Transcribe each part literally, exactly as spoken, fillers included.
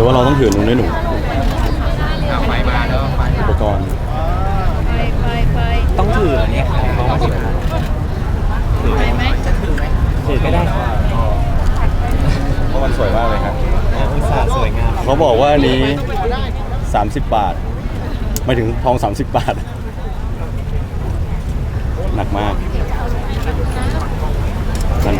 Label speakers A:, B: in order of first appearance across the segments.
A: รือว่าเราต้องถือหนูด้วยหนู
B: เอาไฟมาแล้วไฟ
A: อุปกรณ์
C: ไปไปไป
B: ต้องถือเนี่ยเพราะว่าถือถือไหมจะถือไหมถือก็ได้
A: เพราะมันสวยมากเลยครับ
B: อุตส่าห์สวยงาม
A: เขาบอกว่าอันนี้สามสิบบาทไม่ถึงทองสามสิบบาทหนักมากนั่น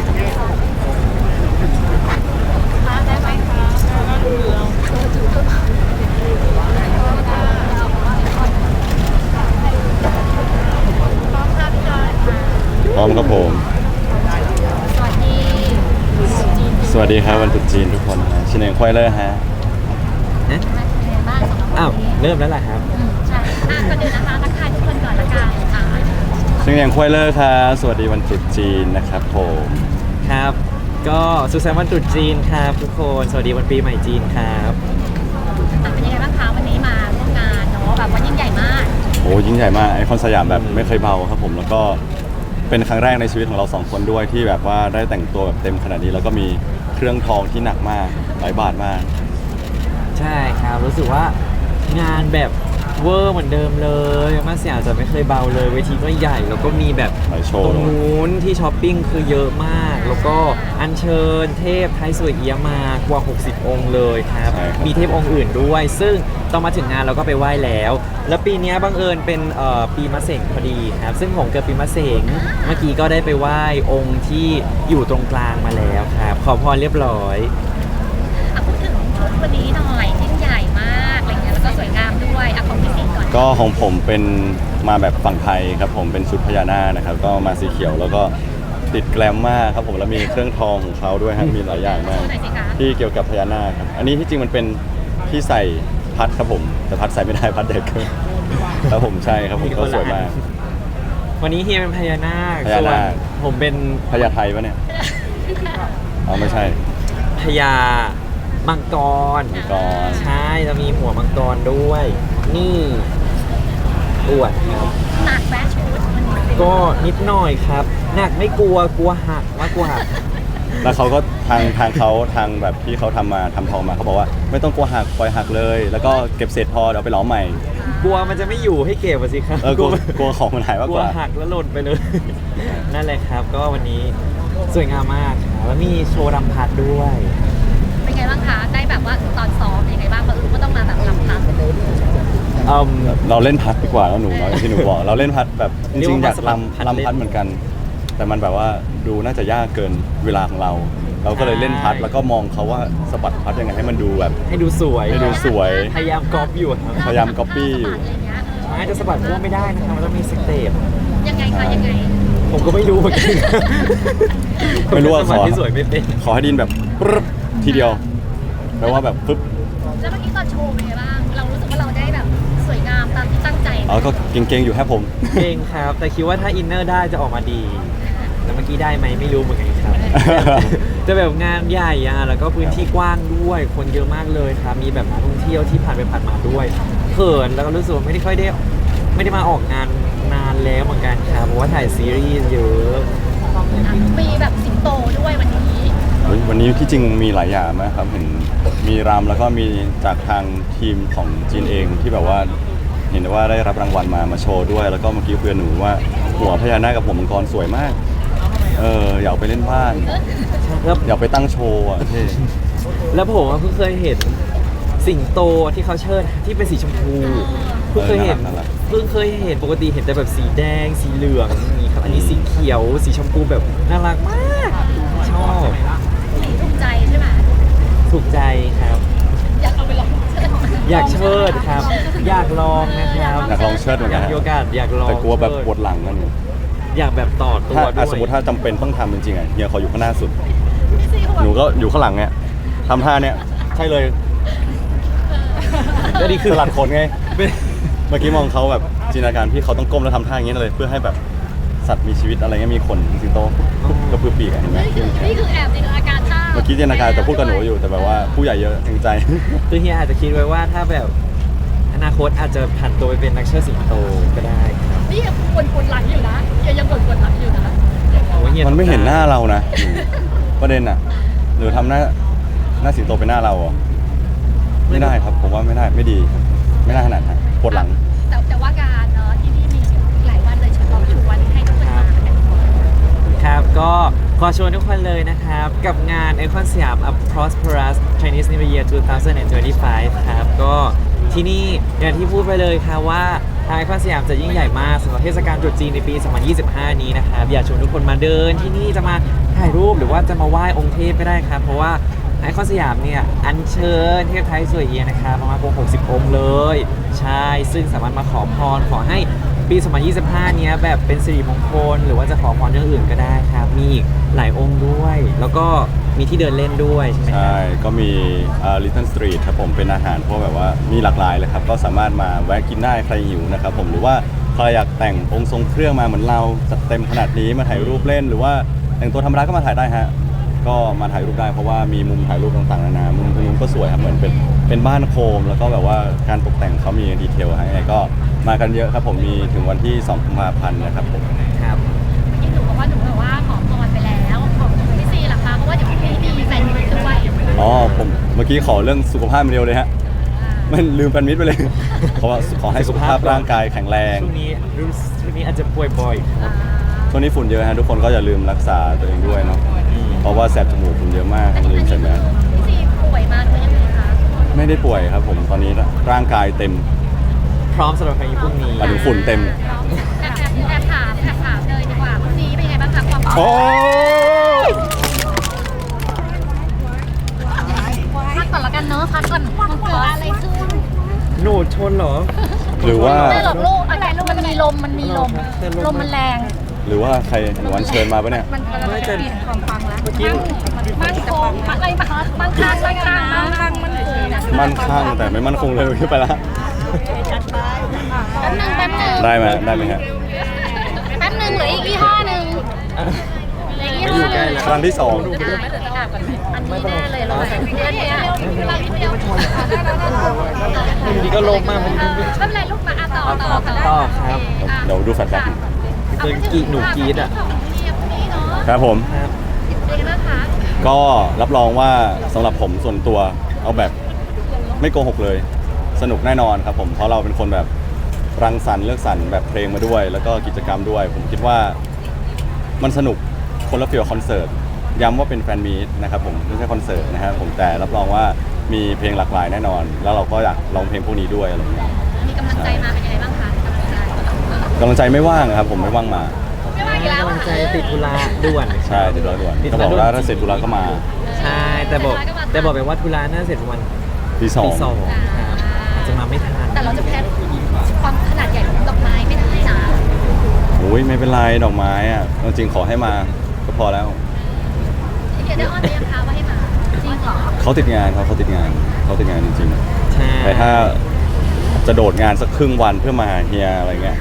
A: พร้อมครับผมสวัสดีครับวันตรุษจีนทุกคนนะชินเองควายเลอร์ฮะ
B: อ้าวเริ่มแล้วล่ะครับ
C: ใช่อ่ะก่อนอื่นนะคะทักทายทุกคนก่อนละกันค่ะ
A: ชินเองควายเลอร์ครับสวัสดีวันตรุษจีนนะครับผม
B: ครับก็สุขสันต์วันตรุษจีนครับทุกคนสวัสดีวันปีใหม่จีนครับ
C: เป็นยังไงบ้างคะวันนี้มาร่วมงานเนาะแบบว่ายิ่งใหญ่มาก
A: โอ้ยิ่งใหญ่มากไอคอนสยามแบบไม่เคยเบาครับผมแล้วก็เป็นครั้งแรกในชีวิตของเราสองคนด้วยที่แบบว่าได้แต่งตัวแบบเต็มขนาดนี้แล้วก็มีเครื่องทองที่หนักมากหลายบาทมาก
B: ใช่ครับรู้สึกว่างานแบบเวอร์เหมือนเดิมเลยมาสยามจะไม่เคยเบาเลยเวทีก็ใหญ่แล้วก็มีแบบตรงนู้นที่ช้อปปิ้งคือเยอะมากแล้วก็อัญเชิญเทพไทยสวยเอี้ยมากว่าหกสิบองค์เลยครับมีเทพองค์อื่นด้วยซึ่งตอนมาถึงงานเราก็ไปไหว้แล้วแล้วปีนี้บังเอิญเป็นปีมะเสงพอดีครับซึ่งผมเกิดปีมะเสงเมื่อกี้ก็ได้ไปไหว้องค์ที่อยู่ตรงกลางมาแล้วครับขอพรเรียบร้อย
C: พูดถึงชุดวันนี้หน่อยยิ่งใหญ่มากอะไรเงี้ยแล้วก็สวยงามด้วยอ่ะของพี่สิงห์ก่อน
A: ก็ของผมเป็นมาแบบฝั่งไทยครับผมเป็นชุดพญานาคนะครับก็มาสีเขียวแล้วก็ติดแกลมมากครับผมแล้วมีเครื่องทองของเขาด้วยครับมีหลายอย่างมากที่เกี่ยวกับพญานาคครับอันนี้ที่จริงมันเป็นที่ใส่พัดครับผมแต่พัดใส่ไม่ได้พัดเด็กครับผมใช่ครับผมก็สวยมาก
B: วันนี้เฮียเป็นพญานาค
A: พญานาค
B: ผมเป็น
A: พญาไทยปะเนี่ยอ๋อไม่ใช่
B: พญามังกร
A: มังกร
B: ใช่จะมีหัวมังกรด้วยนี่อวดครับ
C: หนักแฟชั่น
B: ก็นิดหน่อยครับหนักไม่กลัวกลัวหักมากกว่า
A: แล้วเขาก็ทางทางเขาทางแบบที่เขาทำมาทำทองมาเขาบอกว่าไม่ต้องกลัวหักปล่อยหักเลยแล้วก็เก็บเศษพอเดี๋ยวไปล้อมใหม่
B: กลัวมันจะไม่อยู่ให้เก็บสิครับ
A: เออกลัวกลัวของมันหายมากกว่าก
B: ลัวหักแล้วหล่นไปเลยนั่นแหละครับก็วันนี้สวยงามมากแล้วมีโชว์รำพัดด้วย
C: เป็นไงบ้างคะได้แบบว่าตอนซ้อมเป็นยังไงบ้างเพราะก็ต้องมาแบบรำพัด
A: เราเล่นพัดดีกว่าแล้วหนูเนาะที่หนูบอกเราเล่นพัดแบบจริงๆอยากรำรำพัดเหมือนกันแต่มันแบบว่าดูน่าจะยากเกินเวลาของเราเราก็เลยเล่นพัดแล้วก็มองเขาว่าสะบัดพัดยังไงให้มันดูแบบ
B: ให้ดูสวย
A: ให้ดูสวย
B: พยายามก๊อปอยู่ครับ
A: พยายามก๊อปปี้อยู่
B: ไม่จะสะบัดมั่วไม่ได้นะครับมันต้องมีสเต็ป
C: ยังไงคะยังไง
B: ผมก็ไม่รู้เหมือนกัน
A: ไม่รู้ว่าขอ
B: ที่สวยไม่เป็น
A: ขอให้ดินแบบปึ๊บทีเดียวแปลว่าแบบปึ๊บ
C: แล้วเมื่อกี้ตอนโชว์เป็นไงบ้างเรารู้สึกว่าเราได้แบบสวยงามตามที่ตั้งใจ
A: อ๋อก็เก่งๆอยู่แค่ผม
B: เก่งครับแต่คิดว่าถ้าอินเนอร์ได้จะออกมาดีแต่เมื่อกี้ได้ไหมไม่รู้เหมือนกันครับจะแบบงานใหญ่อะแล้วก็พื้นที่กว้างด้วยคนเยอะมากเลยครับมีแบบนักท่องเที่ยวที่ผ่านไปผ่านมาด้วยเขินแล้วก็รู้สึกว่าไม่ได้ค่อยได้ไม่ได้มาออกงานนานแล้วเหมือนกันครับเพราะว่าถ่ายซีรีส์เยอะ
C: มีแบบสิงโตด้วยวันนี้
A: วันนี้ที่จริงมีหลายอย่างนะครับเห็นมีรำแล้วก็มีจากทางทีมของจีนเองที่แบบว่าเห็นว่าได้รับรางวัลมามาโชว์ด้วยแล้วก็เมื่อกี้เพื่อนหนูว่าหัวพญานาคกับหัวมังกรสวยมากเอออยากไปเล่นบ้านอยากไปตั้งโชว์อ่ะเท่
B: แล้วผมเพิ่งเคยเห็นสิงโตที่เขาเชิดที่เป็นสีชมพูเพิ่งเคยเห็นเพิ่งเคยเห็นปกติเห็นแต่แบบสีแดงสีเหลืองนี่ครับอันนี้สีเขียวสีชมพูแบบน่ารักมากชอบ
C: ถูกใจใช่ไหม
B: ถูกใจครับ
C: อยากเอาไปลอง
B: อยากเชิดครับอยากลองนะครับ
A: อยากลองเชิดเหมือนกัน
B: อยากมีโอกาสอยากลอง
A: แต่กลัวแบบปวดหลังกันอยู่
B: อยากแบบต่อตัวด้วย
A: สมมติถ้าจำเป็นต้องทำจริงๆอ่ะเฮียขออยู่ข้างหน้าสุดหนูก็อยู่ข้างหลังเนี่ยทำท่าเนี่ยใช่เลย
B: ก็ดีคือ
A: สลัดขนไงเมื่อกี้มองเขาแบบจินตนาการพี่เขาต้องก้มแล้วทำท่าอย่างนี้เลยเพื่อให้แบบสัตว์มีชีวิตอะไรเงี้ยมีขนสิงโตกระพือปีกเห็นไหม
C: นี่คือแอบจินตนาการท่า
A: เมื่อกี้จินตนาการแต่พูดกับหนูอยู่แต่แบบว่าผู้ใหญ่เยอะจริงใจ
B: คือเฮียอาจจะคิดไว้ว่าถ้าแบบอนาคตอาจจะผันตัวไปเป็นนักเชิดสิงโตก็ได้
C: นี่ยังปวดปวดหลังอยู่นะยังยังปวดปวดหลังอยู่นะ
A: มันไม่เห็นหน้าเรานะประเด็นอ่ะหรือทำหน้าหน้าสิงโตเป็นหน้าเราอ่ะไม่ได้ครับผมว่าไม่ได้ไม่ดีครับไม่น่าขนาดนั้นปวดหลัง
C: แต่แต่ว่าการเนาะที่นี่มีหลายวันเลยชวนลองชวนให้ทุกคนมากัน
B: ครับก็ขอชวนทุกคนเลยนะครับ กับงาน Icon สยาม A Prosperous Chinese New Year สองพันยี่สิบห้า ครับก็ที่นี่อย่างที่พูดไปเลยครับว่าทาง Icon สยามจะยิ่งใหญ่มากสำหรับเทศกาลตรุษจีนในปี สองพันยี่สิบห้า นี้นะครับอยากชวนทุกคนมาเดินที่นี่จะมาถ่ายรูปหรือว่าจะมาไหว้องค์เทพก็ได้ครับ เพราะว่าไอคอนสยามเนี่ยอัญเชิญเทพไทยสวยเอียนะครับประมาณกว่าหกสิบองค์เลย ใช่ซึ่งสามารถมาขอพรขอให้ปี สองพันยี่สิบห้า เนี้ยแบบเป็นสิริมงคลหรือว่าจะขอพรเรื่องอื่นก็ได้ครับ มีอีกหลายองค์ด้วย แล้วก็มีที่เดินเล่นด้วยใช่ไหมครั
A: ใช่ก็มีลิตเติ้ลสตรีทครับผมเป็นอาหารพวกแบบว่ามีหลากหลายเลยครับก็สามารถมาแวะกินได้ใครหิวนะครับผมหรือว่าใครอยากแต่งองค์ทรงเครื่องมาเหมือนเราจัดเต็มขนาดนี้มาถ่ายรูปเล่น หรือว่าแต่งตัวธรรมดาก็มาถ่ายได้ฮะก็มาถ่ายรูปได้เพราะว่ามีมุมถ่ายรูปต่างๆนานามุมตรงนู้นก็สวยครับเหมือนเป็นเป็นบ้านโคม แล้วก็แบบว่าการตกแต่งเขามีดีเทลฮะยังไงก็มากันเยอะครับผมมีถึงวันที่สองกุมภาพันธ์นะครับผม
B: ครับ
C: ที่หนูบอกว่าหนูแบบว่าขอพรไปแล้วของพี่ซีล่ะคะเพราะว่าเดี๋ยวพรุ่งนี้มีแฟนมิตด้วย
A: อ๋อผมเมื่อกี้ขอเรื่องสุขภาพมาเดียวเลยฮะมันลืมแฟนมิตรไปเลย เพราะว่าขอให้สุขภาพร่างกายแข็งแรง
B: ช่วงนี้รู้สึกช่วงนี้อาจจะป่วยบ่อยครับ
A: ช่วงนี้ฝุ่นเยอะฮะทุกคนก็อย่าลืมรักษาตัวเองด้วยเนาะ
B: อืม
A: เพราะว่าแสบจมูกฝุ่นเยอะมาก
C: อันนี้
A: ลื
C: อั
A: ม
C: น
A: ใส่
C: นี้
A: แม
C: คือ
A: ส
C: พี่ซีป่วยมาหรือยังไงคะ
A: ไม่ได้ป่วยครับผมตอนนี้ร่างกายเต็ม
B: พร้อมสำหรับครั้งนี้พรุ่งนี้
A: หมายถึงฝุ่นเต็ม
C: แอบแอบแอบถามแอบถามเลยดีกว่าพรุ่งนี้เป็นยังไงบ้างคะความพร้อม
A: โอ้ย
C: พักก่อนละกันเนาะพักก่อนมันเกิดอะไรขึ้น
B: หนูชนเหรอ
A: หรือว่า
C: ไม่หรอกลูกอะไรลูกมันมีลมมันมีลมลมมันแรง
A: หรือว่าใครหนูวันเชิญมาปะเนี่ย
C: มันกำลัง
B: ไม่
C: จะ
B: แต่
C: เปลี่ยนความฟังแล้ว
B: เมื่อกี้
C: มั่นคงอะไรมามั่งคั่งมั่งคั่งมั่งคั่งมั่นคง
A: มั่นคงแต่ไม่มั่นคงเลยขึ้นไปละ
C: แป๊บนึงแป๊บนึง
A: ได้ไหมได้ไหมฮะ
C: แป๊บนึงเหลืออีกยี่ห้อหนึ่งเหลืออีกยี่ห้อหนึ่ง
A: ครั้งที่สอง
C: อันนี้แน่เลยเราใส่เพื่อนเนี่ยเราเดียว
B: อยู่ดีก็ลงมามัน
C: ไม่เป็นไรลูกมาต่อต่อ
B: ต่อครับ
A: เดี๋ยวดูแฟลชแบ็ก
B: เกินกีหนูกรีดอ่ะ
A: ครับผม
B: ครับ
C: เป็นไงบ้างคะ
A: ก็รับรองว่าสำหรับผมส่วนตัวเอาแบบไม่โกหกเลย สนุกแน่นอนครับผมเพราะเราเป็นคนแบบรังสรรค์เลือกสรรแบบเพลงมาด้วย แล้วก็กิจกรรมด้วย ผมคิดว่ามันสนุกคนละฟีลคอนเสิร์ตย้ำว่าเป็นแฟนมีตนะครับผมไม่ใช่คอนเสิร์ตนะครับผมแต่รับรองว่ามีเพลงหลากหลายแน่นอน แล้วเราก็อยากลองเพลงพวกนี้ด้วยอะไรอย่างเงี้ย
C: มีกำลังใจมาเป็นยังไงบ้างคะกำลังใจ
A: กำลังใจไม่ว่างครับผมไม่ว่างมา
C: ไม่ว่าอีกแล้ว
B: กำลังใจติดธุระด่วน
A: ใช่ติดธุระด่วน
B: ติดธุ
A: ก็
B: ระ
A: บอก
B: ด่วน
A: ว่าถ้าเสร็จธุระก็มา
B: ใช่แต่บอกแต่บอกไปว่าธุระน่าเสร็จประมาณ
A: ที่สอ
B: ตี
A: ง
B: สองครับอาจจะมาไม่ทัน
C: แต่เราจะแพ้ความขนาดใหญ่ของดอกไม้ไม่ได้นะ
A: โอ้ยไม่เป็นไรดอกไม้อะจริงๆขอให้มาก็พอแล้ว
C: เดี๋ยวได้ออนไปยังคะว่าให้มาจริงเหรอ
A: เขาติดงานเขาเขาติดงานเขาติดงานจริง
B: ใช่
A: ๆแต่ถ้าจะโดดงานสักครึ่งวันเพื่อมาหาเฮียอะไรเงี้ย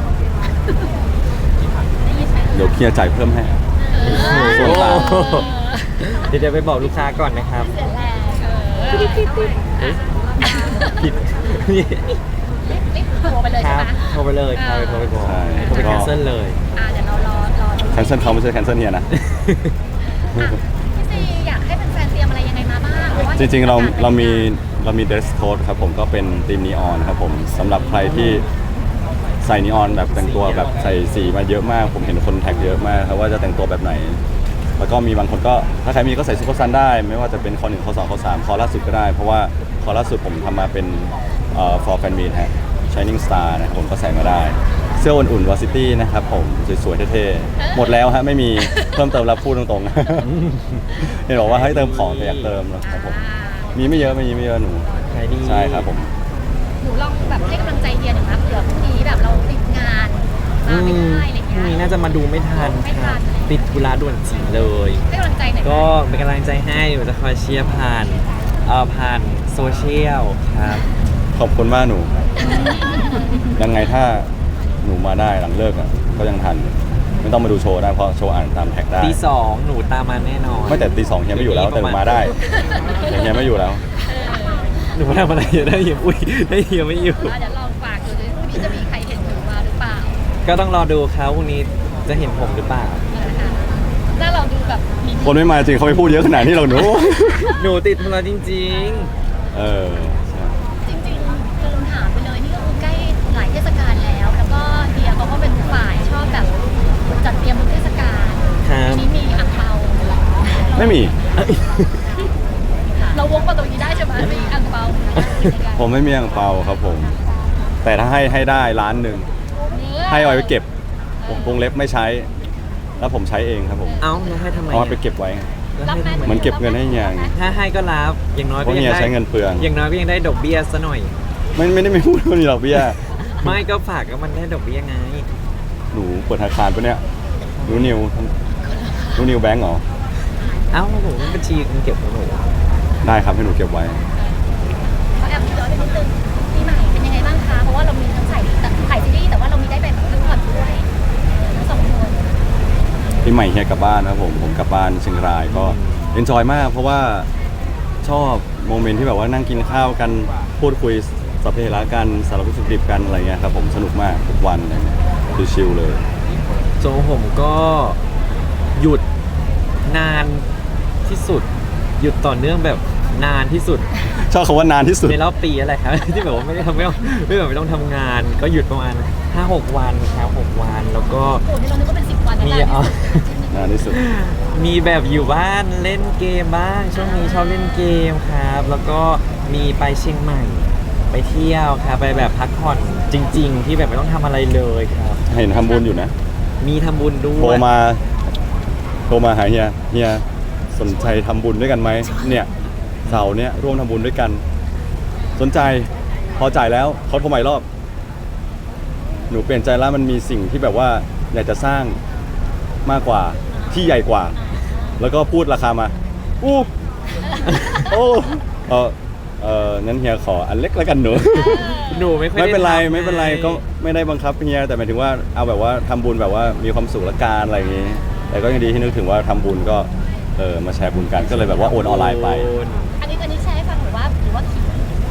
C: ได้ยินไหม
A: เดี๋ยวเฮียจ่ายเพิ่มให้ ส่วนต่าง
B: โอ้โหเดี๋ยวจะไปบอกลูกค้าก่อนนะครับ
C: เสียแรงเออ
B: ผิด
C: รีบโทรไปเลย
B: ค
C: ใช่
B: รับ
C: ไหม
B: โทรไปเลยครับโทรไปบอก
A: ใช่
B: โทรไปแคนเซิลเลย
C: อ่าเดี๋ยวเรารอรอดู
A: แคนเซิลเขาไม่ใช่แคนเซิลเฮียนะ
C: อ่ะพี่ซีอยากให้แฟนๆเตรียมอะไรยังไงมาบ้างเพาะว่า
A: จริงๆเราเรามีเรามี dress code ครับผมก็เป็นธีมนีออนครับผมสำหรับใครที่ใส่นีออนแบบแต่งตัวแบบใส่สีมาเยอะมาก ผมเห็นคนแท็กเยอะมากครับว่าจะแต่งตัวแบบไหน แล้วก็มีบางคนก็ถ้าใครมีก็ใส่ซุปเปอร์ซันได้ ไม่ว่าจะเป็นคอหนึ่งคอสองคอสามคอล่าสุดก็ได้ เพราะว่าคอล่าสุดผมทำมาเป็นเอ่อ for fan meet ฮะ Shining Star นะครับผมก็ใส่มาได้ เสื้ออุ่นๆวาซิตี้นะครับผมสวยๆเท่ๆหมดแล้วฮะไม่มีเพิ่มเติมแล้วพูดตรงๆ เห็นบอกว่าให้เติมของแต่อยากเติมนะครับผม
C: อ่า
A: มีไม่เยอะมีไม่เยอะหนู
B: ขายดี
A: ใช่ครับผม
C: หนูลองแบบให้กำลังใจเฮียหน่อยนะเผื่อพรุ่งนี้แบบเราติดงาน
B: อื
C: มาไม่
B: ม
C: ได้อะไร
B: พรุ่งนี้
C: เงี้ย
B: น่าจะมาดูไม่ทัน
C: ไม่
B: ค
C: ทั
B: รับ
C: น
B: ติดธุระด่วนจริงเลย
C: ให้กำลังใจหน่อย
B: ก็เป็นกำลังใจให้หนูจะคอยเชียร์ผ่านเอ่อผ่านโซเชียลครับ
A: ขอบคุณมากหนู ยังไงถ้าหนูมาได้หลังเลิกอ่ะก็ยังทัน ไม่ต้องมาดูโชว์ได้เพราะโชว์อ่านตามแท็กได้
B: ตีสองหนูตามมาแน่นอน
A: ไม่แต่ตีสองเฮียไม่อยู่แล้วแต่หนูมาได้แต่เฮียไม่อยู่แล้ว
B: หนูมาทำอะไรอยู่ได้เฮียอุ้ยได้เฮียไม่อยู่
C: อ่ะเดี๋ยวลองฝากดูดิพรุ่งนี้จะมีใครเห็นหนูมาหรือเปล่า
B: ก็ต้องรอดูครับพรุ่งนี้จะเห็นผมหรือเปล่า
C: นะคะถ้าเราดูแบบมี
A: คนไม่มาจริงเขาไม่พูดเยอะขนาดนี้หรอกหนู
B: หนูติดธุระจริง
A: เออไม่มี
C: เราวกมาตรงนี้ได้ใช่ไหมมีอังเปา
A: ผมไม่มีอ่างเปาครับผม แต่ถ้าให้ให้ได้ล้านหนึ่งให้เอาไปเก็บวงเล็บไม่ใช้ แล้วผมใช้เองครับผม
B: เอ้าแล้วให้ทำไม
A: เอา
B: อะ
A: ไปเก็บไว้
B: แล้วให้ทำไม
A: เหมือนเก็บเงินให้เฮีย
B: ถ้าให้ก็รับอย่างน้อย
A: เพ
B: ก็
A: ราะ
B: ยัง
A: เฮีย
B: ได้
A: ใช้เงินเปลือง
B: อย่างน้อยก็ยังได้ดอกเบี้ยซะหน่อย
A: ไม่ไม่ได้ไม่พูดว่ามีดอกเบี้ย
B: ไม่ก็ฝากก็มันได้ดอกเบี้ยไง
A: หนูเปิดธนาคารปะเนี่ยหนูนิวหนูนิวแบงก์เหรอ
B: เอ้าผมบัญชีเงินเก็บของหนู
A: ได้ครับให้หนูเก็บไว้
C: ขอแอบย้อนไปนิดนึงปีใหม่เป็นยังไงบ้างคะเพราะว่าเรามีทั้งถ่ายถ่ายซีรีส์แต่ว่าเรามีได้ไปแบบพักผ่อนด้วยทั้งสองคน
A: ปีใหม่เฮียกลับบ้านครับผมผมกลับบ้านเชียงรายก็เอนจอยมาก เพราะว่าชอบโมเมนต์ที่แบบว่านั่งกินข้าวกันพูดคุยสัพเพเหระกันสารพัดสุขดิบกันอะไรเงี้ยครับผมสนุกมากทุกวันอะไรเงี้ยชิลๆเลย
B: โจผมก็หยุดนานที่สุด หยุดต่อเนื่องแบบนานที่สุด
A: ชอบคำว่านานที่สุด
B: ในรอบปีอะไรครับ ที่แบบว่าไม่ได้ทำไม่ต้องไม่แบบไม่ต้องทำงาน ก็หยุดประมาณห้าหกวันครับหกวันแล้วก็
C: โอ้โหนี่เรานึกว่าเป็นสิบวัน
B: มี
C: แล้ว
B: เอา
A: นานที่สุด
B: มีแบบอยู่บ้านเล่นเกมบ้าง ช่วงนี้ชอบเล่นเกมครับ แล้วก็มีไปเชียงใหม่ ไปเที่ยวครับไปแบบพักผ่อนจริง ๆ ที่แบบไม่ต้องทำอะไรเลยครับ
A: เห็นทำบุญอยู่นะ
B: มีทำบุญด้
A: โทร
B: วย
A: มาโทรมาหาเฮียเฮียสนใจทำบุญด้วยกันไหมเนี่ยเสาร์เนี้ยร่วมทำบุญด้วยกัน สนใจพอจ่ายแล้วเขาโทรใหม่รอบ หนูเปลี่ยนใจแล้วมันมีสิ่งที่แบบว่าอยากจะสร้างมากกว่าที่ใหญ่กว่า แล้วก็พูดราคามาอู้โอ้เออเอองั้นเฮียขออันเล็กแล้วกันหนู
B: หนูไม่ค่อย
A: ไม่เป็นไร
B: ด้ทำ
A: ไม่เป็นไร
B: ง
A: ก็ไม่ได้บังคับเฮียแต่หมายถึงว่าเอาแบบว่าทำบุญแบบว่ามีความสุขละกันอะไรอย่างงี้ แต่ก็ยังดีที่นึกถึงว่าทำบุญก็เออมาแชร์บุญกันก็เลยแบบว่าโอนออนไลน์ไป
B: โอน
C: อันนี้อันนี้แชร์ให้ฟังหรือว่าหรือว่าคิด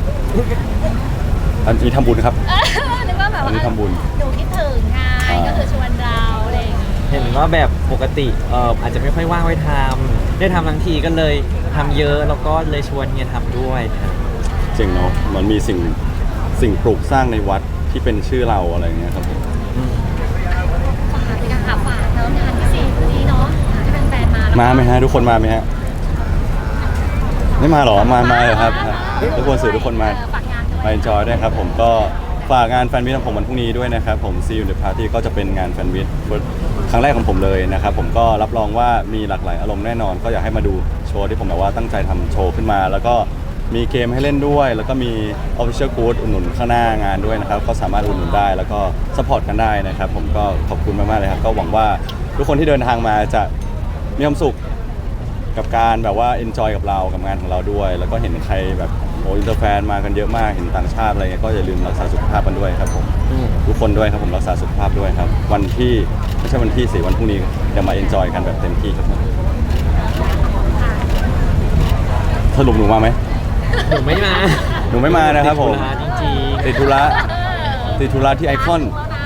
A: อันนี้ทำบุญครับ
C: เออนึกว่าแบบ
A: อัน
C: ว่า
A: นี้ทำบุญ
C: หนูคิดถึงไง
A: อ่า
C: ก็คือชวนเราอะไรอย่างงี้
B: เห็นว่าแบบปกติเอ่ออาจจะไม่ค่อยว่างไว้ทำได้ทำทั้งทีก็เลยทำเยอะแล้วก็เลยชวนเฮียทำด้วยครับ
A: จริงเนาะมันมีสิ่งสิ่งปลูกสร้างในวัดที่เป็นชื่อเราอะไรอย่างเงี้ยครับผม
B: อืม
C: ฝากเลยค่ะฝากเนาะงานที่สี่วันนี้เนาะให้แฟนๆมาแล้ว
A: มาไหมฮะทุกคนมาไหมฮะไม่มาหรอมามาเลยครับทุกคนสื่อทุกคนมา
C: เออฝากงานด้วย
A: มา enjoy ด้วยครับผมก็ฝากงานแฟนมิตของผมวันพรุ่งนี้ด้วยนะครับผม See you in the party ก็จะเป็นงานแฟนมิตครั้งแรกของผมเลยนะครับผมก็รับรองว่ามีหลากหลายอารมณ์แน่นอน ก็อยากให้มาดูโชว์ที่ผมแบบว่าตั้งใจทำโชว์ขึ้นมา แล้วก็มีเกมให้เล่นด้วย แล้วก็มี official good อุดหนุนข้างหน้างานด้วยนะครับก็สามารถอุดหนุนได้แล้วก็ support กันได้นะครับผมก็ขอบคุณมากๆเลยครับก็หวังว่าทุกคนที่เดินทางมาจะมีความสุข กับการแบบว่า enjoy กับเรากับงานของเราด้วย แล้วก็เห็นใครแบบโอ้อินเตอร์แฟนมากันเยอะมากเห็นต่างชาติอะไรเงี้ยก็อย่าลืมรักษาสุขภาพกันด้วยครับผม
B: อืม
A: ทุกคนด้วยครับผมรักษาสุขภาพด้วยครับ วันที่ไม่ใช่วันที่สี่วันพรุ่งนี้จะมา enjoy กันแบบเต็มที่ครับผมสรุปหนูมาไหม
B: หนูไม่มา
A: หนูไม่มานะครับผม
B: ติดธุระจริง
A: ติดธุระติดธุระที่ไอคอน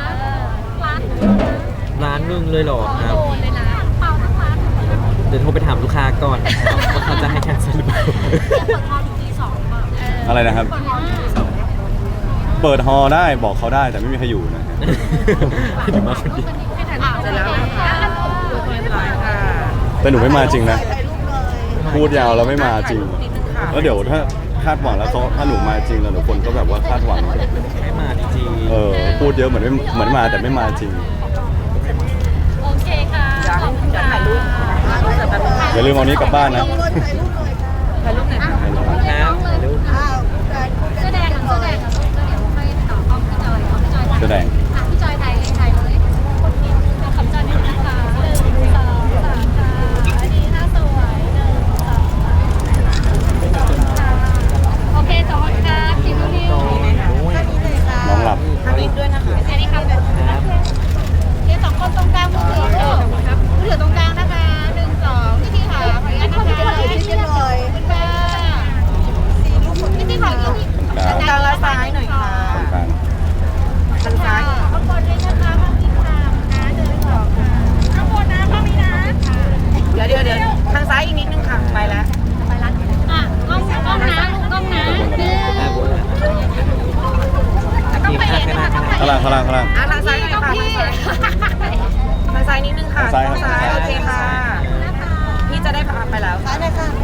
C: ร้าน
B: ๆร้านนึงเลยเหรอครับ
C: โดนเลยนะเปล่าทั้งร้าน
B: เดี๋ยวโทรไปถามลูกค้าก่อนนะครับว่าเขาจะให้แคนเซิลหรือเปล่า
C: เปิดฮอลล์ถึงตีสองเปล่าเออ
A: อะไรนะครับ
C: เปิดฮอลล์ถึงตีสอง
A: เปิดฮอลล์ได้บอกเขาได้แต่ไม่มีใครอยู่นะฮะ
B: เดี๋ยวมาคนเดียว
C: ให้ถ่ายรูปเสร็จแล้วค่ะดูตัวเองเลยค่ะ
A: แต่หนูไม่มาจริงนะ พูดยาวแล้วไม่มาจริง แล้วเดี๋ยวถ้าคาดหวังแล้วเขาถ้าหนูมาจริงแล้วหนูคนก็แบบว่าคาดหวัง
B: ไม่มาจริงๆ
A: เออพูดเยอะเหมือนไม่เหมือนมาแต่ไม่มาจริง
C: โอเคค่ะขอบคุณค่ะ
A: อย่าลืมเอานี้กลับบ้านนะ
C: ถ่ายรูปไหนอย
B: ครับถ่ายรูป
C: เสื้อแดงเสื้อแดงเสื้อแดงค่อยต่อกล้องพี่จอยเอาพี่จอย
A: เสื้อแดง
C: อ่ะพี่จอยถ่ายเลยถ่ายเลยเป็นคำจอยนิดนึงค่ะหนึ่งสองสามค่ะอันนี้หน้าสวยหนึ่งสองสามค่ะโอเคขอบคุณค่ะคิวนิว
A: น้องหลับ
C: อันนี้ด้วยนะคะอันนี้ครับ
B: ครับ
C: เดี๋ยวสองคนตรงกลางมือถือครับมือถือตรงกลางนะคะหนึ่งสองพี่พี่ขาขออนุญาตนะคะพี่พี่เลยคุณป้าพี่พี่ขออีกที
A: กลาง
C: กลางและซ้ายหน่อยค่ะ
A: ตรงกลาง
C: ทางซ้ายข้างบนเลยนะคะข้างนี้ค่ะนะหนึ่งสองค่ะข้างบนนะข้างนี้นะ
D: เดี๋ยวเดี๋ยวเดี๋ยวทางซ้ายอีกนิดนึงค่ะ ไปแล้ว
C: ไปร้านอ่ะกล้องกล้องนะกล้องนะ
B: หน้าบนนะ
C: ต้องไปเองนะคะต้องไป
A: ข้างล่างข้างล่างข้างล่าง
D: อ่ะทางซ้ายหน่อย
C: กล้อง
D: ค่ะ
C: พี่
D: ทางซ้ายนิดนึงค่ะ
A: ทางซ้ายครับ
D: โอเคค่ะ
C: นะคะ
D: พี่จะได้พาไปแล้วค่ะได้ค่ะ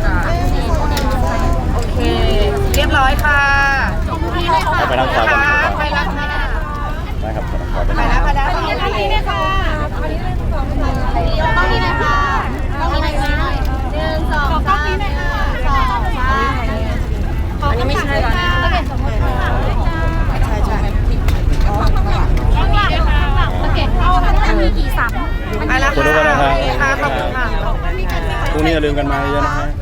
D: โอเค เรียบร้อยค่ะ
A: เอาไปทางขวากันดีกว่า
D: ไปแล้วค่ะ
A: ได้ครับขอทางขวาเป็น
D: ไปแล้วไปแล้ว
C: ตรงนี้เลยค่ะตรงนี้เลยค่ะตรงนี้เลยค่ะตรงนี้เลยค่ะหนึ่งสองสามสองสามอันนี้ไม่ใช่แล้วนะเก็บสมมติค่ะใช่ใช่ข้างหลังข้างหลังสเก็ตเข้าถ้ามีกี่ซ้ำ
D: ไปแล้ว
A: ขอบคุณทุกคนนะครับ
D: ค่ะขอบคุณค่ะ
A: พรุ่งนี้อย่าลืมกันมาเยอะๆนะฮะ